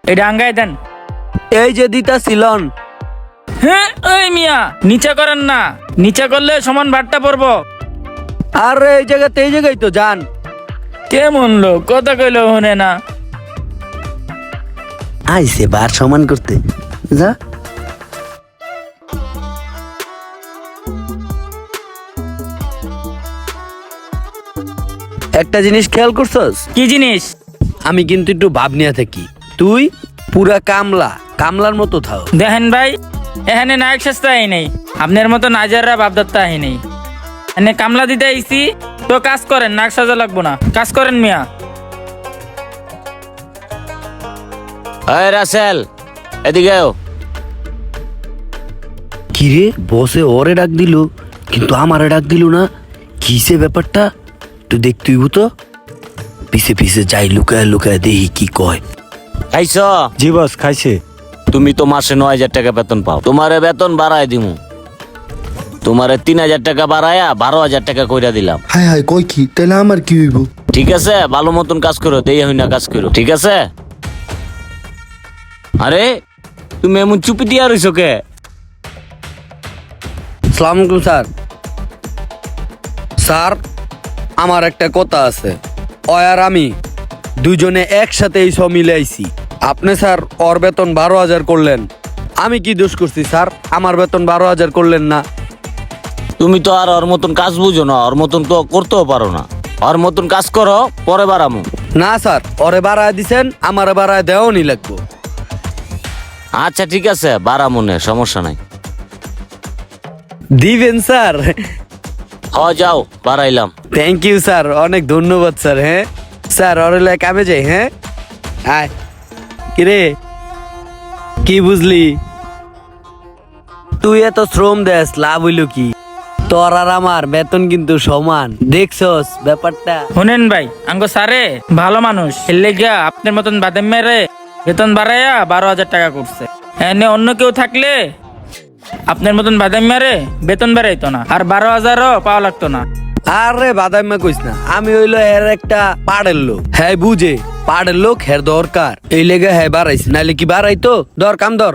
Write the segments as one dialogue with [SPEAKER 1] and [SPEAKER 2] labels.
[SPEAKER 1] এটা আঙ্গাই দেন।
[SPEAKER 2] এই যে দিতা ছিলন।
[SPEAKER 1] হ্যাঁ ওই মিয়া নিচে করেন না, নিচে করলে সমান ভাতটা পড়বো।
[SPEAKER 2] আর এই জায়গায় তো যান।
[SPEAKER 1] কেমন লোক, কথা কইলো শুনে না।
[SPEAKER 2] আইসে বার সমান করতে যা। একটা জিনিস খেয়াল করছস?
[SPEAKER 1] কি জিনিস?
[SPEAKER 2] আমি কিন্তু একটু ভাব নিয়ে থাকি, তুই পুরা কামলার মতো থাও।
[SPEAKER 1] দেখেন ভাই, এখানে নায়ক সস্তা আই নেই, আপনার মতো নাজাররা বাপদত্তা আই নেই। এনে কামলা দিতে আইছি তো কাজ করেন, নাক সাজা লাগবো না, কাজ করেন মিয়া।
[SPEAKER 3] এই রাসেল, এদিকে আও।
[SPEAKER 2] কিরে বসে ওরে ডাক দিল কিন্তু আমারে ডাক দিল না, কিসে ব্যাপারটা? তুই দেখতেইব তো, পিছে পিছে যাই লুকায় লুকায় দেখি কি কয়।
[SPEAKER 3] খাইছ?
[SPEAKER 4] জি বস খাইছে।
[SPEAKER 3] তুমি তো মাসে 9,000 টাকা বেতন পাও, তোমারে বেতন বাড়ায় দিমু। তোমারে 3,000 টাকা বাড়ায়া 12,000 টাকা কইরা দিলাম।
[SPEAKER 5] হায় হায় কই কি তাহলে আমার কি হইব?
[SPEAKER 3] ঠিক আছে, ভালো মতন কাজ করো, দেই হই না কাজ করো, ঠিক আছে? আরে তুমি এমন চুপি দিয়া রইছো কে?
[SPEAKER 2] আসসালামু আলাইকুম স্যার। স্যার আমার একটা কথা আছে, ওই আর আমি দুজনে একসাথে এই সব মিলে আইছি। আপনি স্যার ওর বেতন 12,000 করলেন, আমি কি দোষ করছি স্যার? আমার বেতন 12,000 করলেন না।
[SPEAKER 3] তুমি তো আর ওর মতন কাজ বুঝো না, ওর মতন তো করতেও পারো না। ওর মতন কাজ করো, পরে বাড়ামু।
[SPEAKER 2] না স্যার, ওরে বাড়ায় দিছেন, আমারে বাড়ায় দেওয়াও নি লাগবো।
[SPEAKER 3] আচ্ছা ঠিক আছে, বাড়ামু নে, সমস্যা নাই।
[SPEAKER 2] দিবেন স্যার?
[SPEAKER 3] যাও, বাড়াইলাম।
[SPEAKER 2] থ্যাংক ইউ স্যার, অনেক ধন্যবাদ স্যার। হ্যাঁ স্যার, ওরে লাই কামে যাই। হ্যাঁ আয়। কিরে কি বুঝলি? তুই এত শ্রম দেস, লাভ হইল কি? তোর আর আমার বেতন কিন্তু সমান, দেখছস ব্যাপারটা?
[SPEAKER 1] শুনেন ভাই, আঙ্গো সারে ভালো মানুষ, এলে গিয়া আপনার মতন বাদাম মেরে বেতন বাড়াইয়া 12,000 টাকা করছে। এনে অন্য কেউ থাকলে আপনার মতন বাদাম মেরে বেতন বাড়াইতো না, আর 12,000ও পাওয়া লাগতো না।
[SPEAKER 2] আরে বাদাইমা কইস না, আমি হইলো এর একটা পাড়ের লোক। হ্যাঁ বুঝে, পাড়ের লোক হের দরকার, এই লেগে হ্যাঁ বাড়াইছে, নাইলে কি বাড়াইতো? দর কাম দর।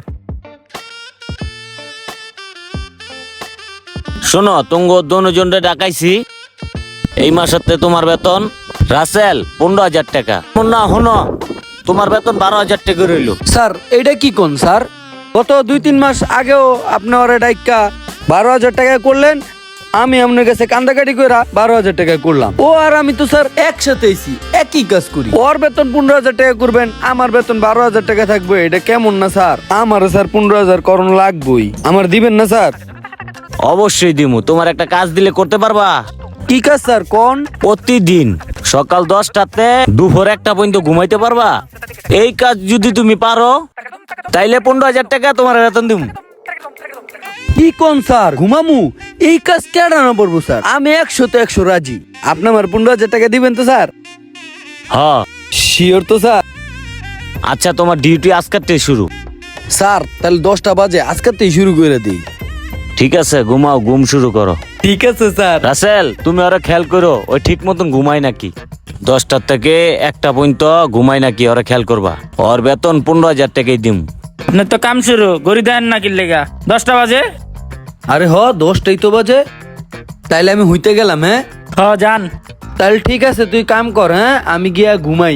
[SPEAKER 3] শোনো, তুঙ্গ দুজনরে ডাকাইছি, এই মাসেতে তোমার বেতন রাসেল 15,000 টাকা। না শোনো, তোমার বেতন 12,000 টাকা রইল।
[SPEAKER 2] স্যার এটা কি কোন স্যার? গত 2-3 মাস আগেও আপনি ওরে ডাইকা 12,000 টাকা করলেন, আমি আপনার কাছে কান্দাকাটি করে 12,000 টাকা করলাম। ও আর আমি তো স্যার একসাথে আইছি, একই কাজ করি। ওর বেতন 15,000 টাকা করবেন, আমার বেতন 12,000 টাকা থাকবে, এটা কেমন না স্যার? আমারও স্যার 15,000 করণ লাগবেই, আমার দিবেন না স্যার?
[SPEAKER 3] অবশ্যই দিমু। তোমার একটা কাজ দিলে করতে পারবা?
[SPEAKER 2] কি কাজ স্যার কোন?
[SPEAKER 3] প্রতিদিন সকাল 10টাতে দুপুর 1টা পর্যন্ত ঘুমাইতে পারবা? এই কাজ যদি তুমি পারো তাইলে 15,000 টাকা তোমার বেতন দিমু।
[SPEAKER 2] কি কোন স্যার? ঘুমামু? এই কাজ কেডা না পড়বো স্যার? আমি 100 রাজি। আপনি আমার 15,000 টাকা দিবেন তো স্যার?
[SPEAKER 3] হ্যাঁ।
[SPEAKER 2] শিওর তো স্যার?
[SPEAKER 3] আচ্ছা, তোমার ডিউটি আজকের শুরু।
[SPEAKER 2] স্যার তাহলে 10টা বাজে আজকেতেই শুরু করে দিই।
[SPEAKER 3] ঠিক আছে, ঘুমাও, ঘুম শুরু করো।
[SPEAKER 2] ঠিক আছে স্যার।
[SPEAKER 3] রাসেল, তুমি ওরা খেয়াল করো, ওই ঠিক মতন ঘুমাই নাকি। 10টা থেকে 1টা পর্যন্ত ঘুমাই নাকি, ওরা খেয়াল করবা। ওর বেতন 15,000 টাকাই দিম।
[SPEAKER 1] আপনার তো কাম শুরু গড়ি দেন না, কির লেগা 10টা বাজে?
[SPEAKER 2] আরে 10টাই তো বাজে, তাইলে আমি হইতে গেলাম। হ্যাঁ
[SPEAKER 1] যান।
[SPEAKER 2] তাহলে ঠিক আছে, তুই কাম কর। হ্যাঁ আমি গিয়া ঘুমাই।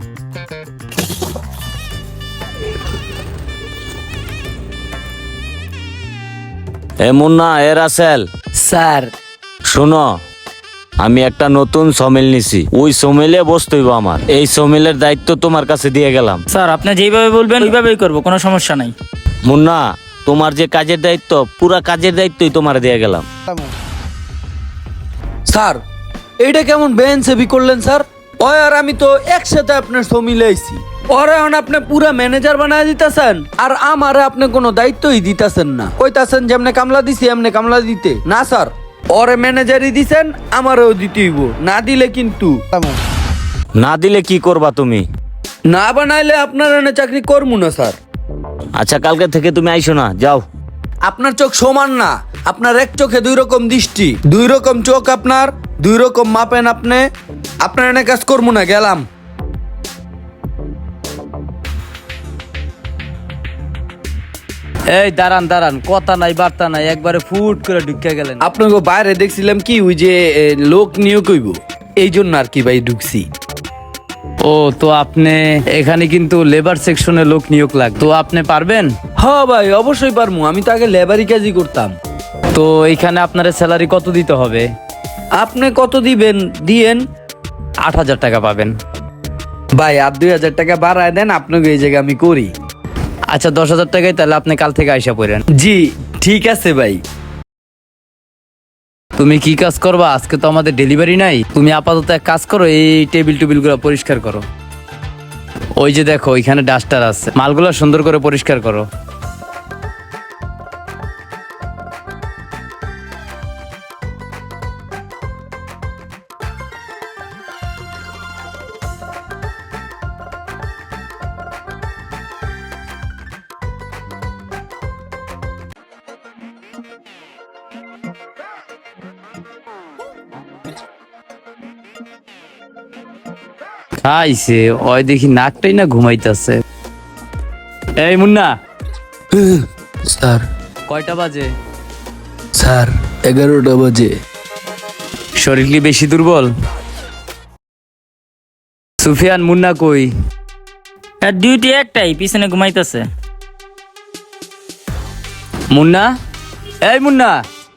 [SPEAKER 3] এ মুন্না, এ রাসেল,
[SPEAKER 2] স্যার
[SPEAKER 3] শোনো, আমি একটা নতুন সমিল নিছি, ওই সমিলে বসতে হইব আমার। এই সমিলের দায়িত্ব তোমার কাছে দিয়ে গেলাম।
[SPEAKER 1] স্যার আপনি যেভাবে বলবেন ওইভাবেই করবো, কোনো সমস্যা নাই।
[SPEAKER 3] মুন্না, তোমার যে কাজের দায়িত্ব, পুরা কাজের দায়িত্বই তোমার দিয়ে গেলাম।
[SPEAKER 2] স্যার এইটা কেমন বেআইনসাফি করলেন স্যার? ওই আর আমি তো একসাথে আপনার সমিলে আইছি, ওরে এখন আপনি পুরা ম্যানেজার বানায় দিতেছেন, আর আমারে আপনি কোনো দায়িত্বই দিতেছেন না। কইতাছেন যে এমনি কামলা দিছি, এমনি কামলা দিতে না স্যার। ওরে ম্যানেজারই দিছেন, আমারও দিতে হইব, না দিলে কিন্তু।
[SPEAKER 3] না দিলে কি করবা তুমি?
[SPEAKER 2] না বানাইলে আপনার এনে চাকরি করবো না স্যার।
[SPEAKER 3] আচ্ছা, কালকে থেকে তুমি আইসো না, যাও।
[SPEAKER 2] আপনার চোখ সমান না, আপনার এক চোখে 2 রকম দৃষ্টি, 2 রকম চোখ আপনার, 2 রকম মাপেন আপনি। আপনার এনে কাজ করবো না, গেলাম। এই দাঁড়ান দাঁড়ান, কথা নাই বার্তা নাই, একবারে ফুট করে ঢুকে গেলেন। আপনাকে বাইরে দেখছিলাম কি ওই যে লোক নিয়োগ হইব, এই জন্য আর কি ভাই ঢুকছি। ও তো আপনি এখানে কিন্তু লেবার সেকশনে লোক নিয়োগ লাগবে, তো আপনি পারবেন? হ্যাঁ ভাই অবশ্যই পারবো, আমি তো আগে লেবারি কাজই করতাম। তো এইখানে আপনার স্যালারি কত দিতে হবে? আপনি কত দিবেন দিয়েন। 8,000 টাকা পাবেন। ভাই আর 2,000 টাকা বাড়ায় দেন, আপনাকে এই জায়গায় আমি করি। আচ্ছা 10,000 টাকাই তাহলে আপনি কাল থেকে আইসা পড়েন। জি ঠিক আছে ভাই। তুমি কি কাজ করবা? আজকে তো আমাদের ডেলিভারি নাই, তুমি আপাতত এক কাজ করো, এই টেবিল গুলো পরিষ্কার করো। ওই যে দেখো ওইখানে ডাস্টার আছে, মালগুলো সুন্দর করে পরিষ্কার করো। খাইছে ওই দেখি নাকটাই না ঘুমাইতেছে। এই মুন্না,
[SPEAKER 5] স্যার
[SPEAKER 2] কয়টা বাজে?
[SPEAKER 5] স্যার 11টা বাজে।
[SPEAKER 2] শরীর কি বেশি দুর্বল? সুফিয়ান মুন্না কই?
[SPEAKER 1] আর ডিউটি একটাই, পিছনে ঘুমাইতেছে।
[SPEAKER 2] মুন্না, এই মুন্না।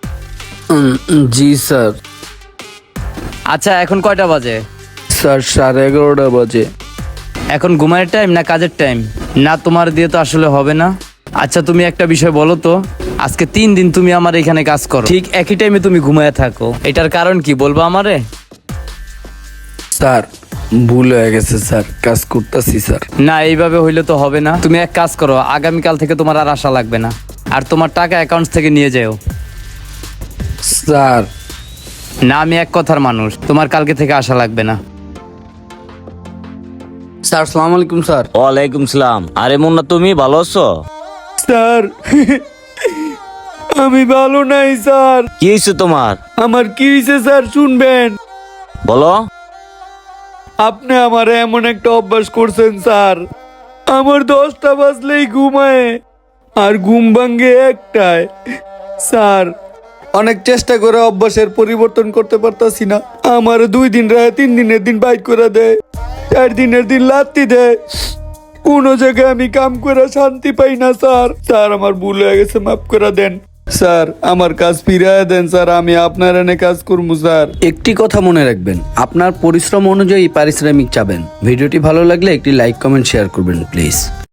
[SPEAKER 5] জি স্যার।
[SPEAKER 2] আচ্ছা এখন কয়টা বাজে?
[SPEAKER 5] স্যার 11:30 বাজে।
[SPEAKER 2] এখন ঘুমানোর টাইম না কাজের টাইম? না তোমার দিয়ে তো আসলে হবে না। আচ্ছা তুমি একটা বিষয় বলো তো, আজকে 3 দিন তুমি আমার এখানে কাজ করো, ঠিক একই টাইমে তুমি ঘুমায় থাকো, এটার কারণ কি বলবো আমারে?
[SPEAKER 5] স্যার ভুল হয়ে গেছে স্যার, কাজ করতেছি স্যার।
[SPEAKER 2] না এইভাবে হইলে তো হবে না। তুমি এক কাজ করো, আগামীকাল থেকে তোমার আর আশা লাগবে না, আর তোমার টাকা অ্যাকাউন্ট থেকে নিয়ে যাও।
[SPEAKER 5] স্যার
[SPEAKER 2] না আমি এক কথার মানুষ, তোমার কালকে থেকে আশা লাগবে না।
[SPEAKER 5] স্যার আসসালামু আলাইকুম স্যার।
[SPEAKER 3] ওয়ালাইকুম সালাম। আরে মুন্না তুমি ভালো আছো?
[SPEAKER 2] স্যার আমি ভালো নাই স্যার।
[SPEAKER 3] কি হয়েছে তোমার?
[SPEAKER 2] আমার কি হয়েছে স্যার শুনবেন?
[SPEAKER 3] বলো।
[SPEAKER 2] আপনি আমার এমন একটা অভ্যাস করছেন স্যার, আমার 10টা বাজলেই ঘুমায় আর ঘুম ভাঙ্গে একটায়। স্যার অনেক চেষ্টা করে অভ্যাসের পরিবর্তন করতে পারতাছি না, আমার 2 দিন রায় 3 দিনের দিন বাইক করে দেয়, 4 দিনের দিন লাত্তি দেয়, কোনো জায়গায় আমি কাম করে শান্তি পাই না স্যার। স্যার আমার ভুল হয়ে গেছে, মাফ করে দেন স্যার, আমার কাজ ফিরিয়ে দেন স্যার, আমি আপনার এনে কাজ করবো স্যার।
[SPEAKER 4] একটি কথা মনে রাখবেন, আপনার পরিশ্রম অনুযায়ী পারিশ্রমিক চাবেন। ভিডিওটি ভালো লাগলে একটি লাইক কমেন্ট শেয়ার করবেন প্লিজ।